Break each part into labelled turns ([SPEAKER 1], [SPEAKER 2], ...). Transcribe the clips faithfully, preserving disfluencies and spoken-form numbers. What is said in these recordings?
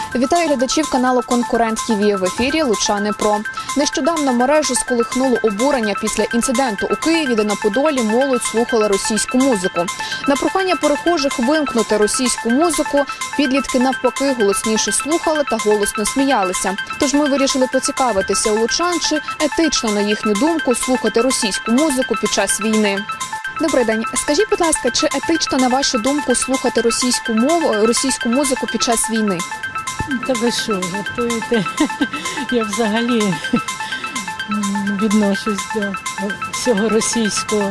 [SPEAKER 1] Вітаю глядачів каналу «Конкурент ТІВІ». В ефірі «Лучани Про». Нещодавно мережу сколихнуло обурення після інциденту у Києві, де на Подолі молодь слухала російську музику. На прохання перехожих вимкнути російську музику підлітки навпаки голосніше слухали та голосно сміялися. Тож ми вирішили поцікавитися у лучан, чи етично, на їхню думку, слухати російську музику під час війни. Добрий день. Скажіть, будь ласка, чи етично, на вашу думку, слухати російську мову, російську музику під час війни?
[SPEAKER 2] Та ви що, жартуєте? Я взагалі відношусь до всього російського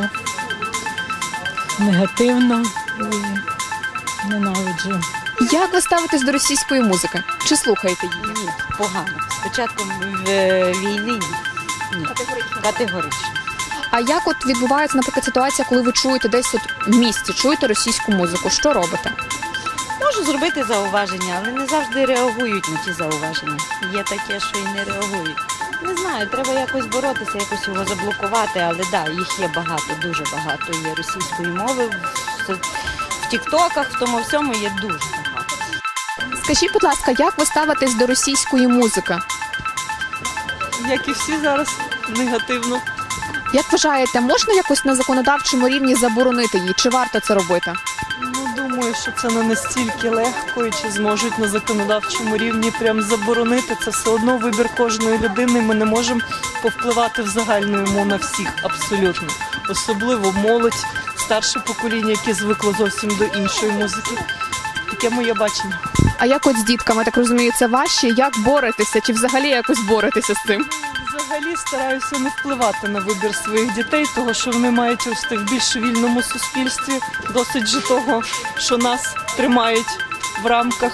[SPEAKER 2] негативно і ненавиджу.
[SPEAKER 1] Як ви ставитесь до російської музики? Чи слухаєте її?
[SPEAKER 3] Ні, погано. Спочатку в війни ні. Ні.
[SPEAKER 1] Категорично.
[SPEAKER 3] Категорично.
[SPEAKER 1] А як от відбувається, наприклад, ситуація, коли ви чуєте десь от в місті, чуєте російську музику? Що робите?
[SPEAKER 3] Можу зробити зауваження, але не завжди реагують на ті зауваження. Є таке, що і не реагують. Не знаю, треба якось боротися, якось його заблокувати, але так, да, їх є багато, дуже багато. Є російської мови, в, в тіктоках, в тому всьому є дуже багато.
[SPEAKER 1] Скажіть, будь ласка, як ви ставитесь до російської музики?
[SPEAKER 4] Як і всі зараз, негативно.
[SPEAKER 1] Як вважаєте, можна якось на законодавчому рівні заборонити її? Чи варто це робити?
[SPEAKER 4] Ну, думаю, що це не настільки легко, і чи зможуть на законодавчому рівні прям заборонити. Це все одно вибір кожної людини, ми не можемо повпливати в загальному на всіх, абсолютно. Особливо молодь, старше покоління, яке звикло зовсім до іншої музики. Таке моє бачення.
[SPEAKER 1] А як от з дітками, так розумію, це важче? Як боретеся? Чи взагалі якось боретеся з цим?
[SPEAKER 4] Взагалі стараюся не впливати на вибір своїх дітей, того що вони мають рости в більш вільному суспільстві. Досить же того, що нас тримають в рамках.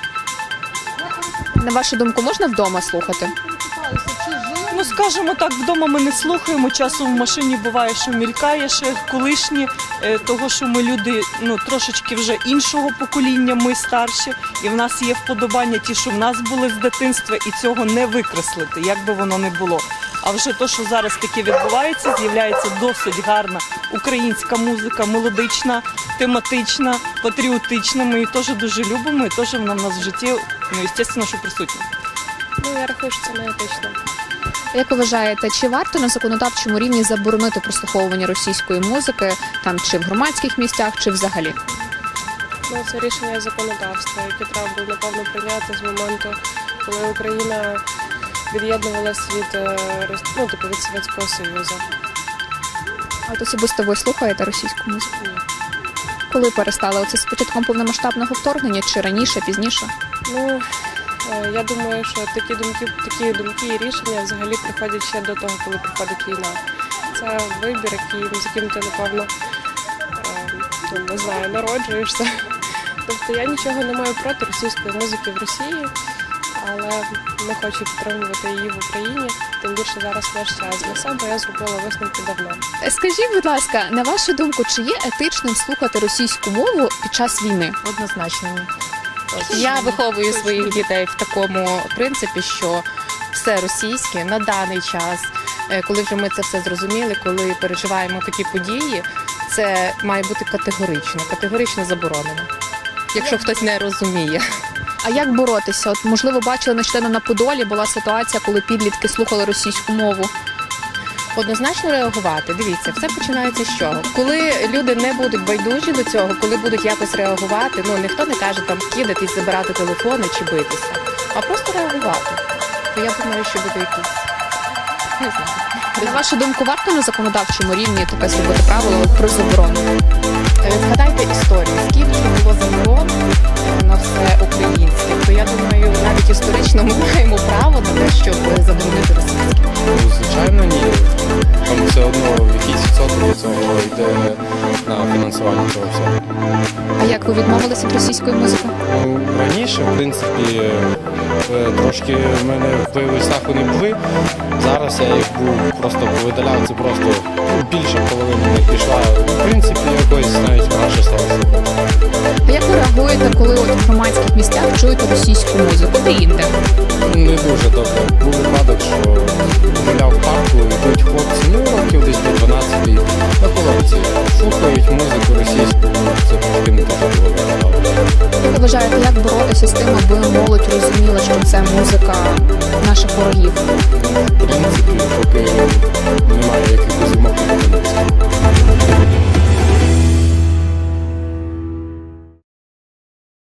[SPEAKER 1] На вашу думку, можна вдома слухати?
[SPEAKER 4] Ну, скажімо так, вдома ми не слухаємо, часом в машині буває, що мількає ще колишні, е, того, що ми люди ну, трошечки вже іншого покоління, ми старші, і в нас є вподобання ті, що в нас були з дитинства, і цього не викреслити, як би воно не було. А вже то, що зараз таке відбувається, з'являється досить гарна українська музика, мелодична, тематична, патріотична. Ми її теж дуже любимо, і теж вона в нас в житті, ну, звісно, що присутня.
[SPEAKER 5] Ну, я рахую, що це не етично.
[SPEAKER 1] Як ви вважаєте, чи варто на законодавчому рівні заборонити прослуховування російської музики, там чи в громадських місцях, чи взагалі?
[SPEAKER 5] Ну, це рішення законодавства, яке треба було, напевно, прийняти з моменту, коли Україна від'єднувалася від, е, Рос- ну, типу, від Совєтського Союзу.
[SPEAKER 1] А от особисто ви слухаєте російську музику?
[SPEAKER 5] Ні.
[SPEAKER 1] Коли перестали? Оце з початком повномасштабного вторгнення, чи раніше, пізніше?
[SPEAKER 5] Ну, е, я думаю, що такі думки, такі думки і рішення взагалі приходять ще до того, коли приходить війна. Це вибір, який, з яким ти, напевно, е, ну, не знаю, народжуєшся. Тобто я нічого не маю проти російської музики в Росії, але не хочу підтримувати її в Україні, тим більше зараз наш час. Для себе я зробила висновки давно.
[SPEAKER 1] Скажіть, будь ласка, на вашу думку, чи є етичним слухати російську мову під час війни?
[SPEAKER 6] Однозначно ні. Я виховую своїх дітей в такому принципі, що все російське на даний час, е, коли вже ми це все зрозуміли, коли переживаємо такі події, це має бути категорично, категорично заборонено, якщо хтось не розуміє.
[SPEAKER 1] А як боротися? От, можливо, бачили нещодавно на Подолі, була ситуація, коли підлітки слухали російську мову.
[SPEAKER 6] Однозначно реагувати. Дивіться, все починається з чого? Коли люди не будуть байдужі до цього, коли будуть якось реагувати, ну ніхто не каже там кидатись, забирати телефони чи битися, а просто реагувати. То я думаю, що буде якийсь, не знаю.
[SPEAKER 1] На вашу думку, варто на законодавчому рівні таке зробити правило про заборону?
[SPEAKER 6] Е, Згадайте історію, скільки було заборон е, на все українське, то я думаю, навіть історично ми маємо право на те, щоб заборонити російське.
[SPEAKER 7] Ну, звичайно, ні. Там все одно якийсь відсоток від цього йде на фінансування цього всього.
[SPEAKER 1] А як ви відмовилися від російської музики?
[SPEAKER 7] Ну, раніше, в принципі, е, трошки в мене впливи страху не були. Зараз я їх був просто повидаляв, це просто більше половини не пішла. В принципі, якось навіть краще стало слухати.
[SPEAKER 1] А як ви реагуєте, коли от в громадських місцях чуєте російську музику? Де інде?
[SPEAKER 7] Не дуже добре. Був випадок, що гуляв в парку, йдуть хлопці, ну років десь до дванадцяти, на половиці. Слухають музику російську, це трошки не так було виглядало.
[SPEAKER 1] Як ви вважаєте, як боротися з тим, аби молодь розуміла, що це музика наших ворогів?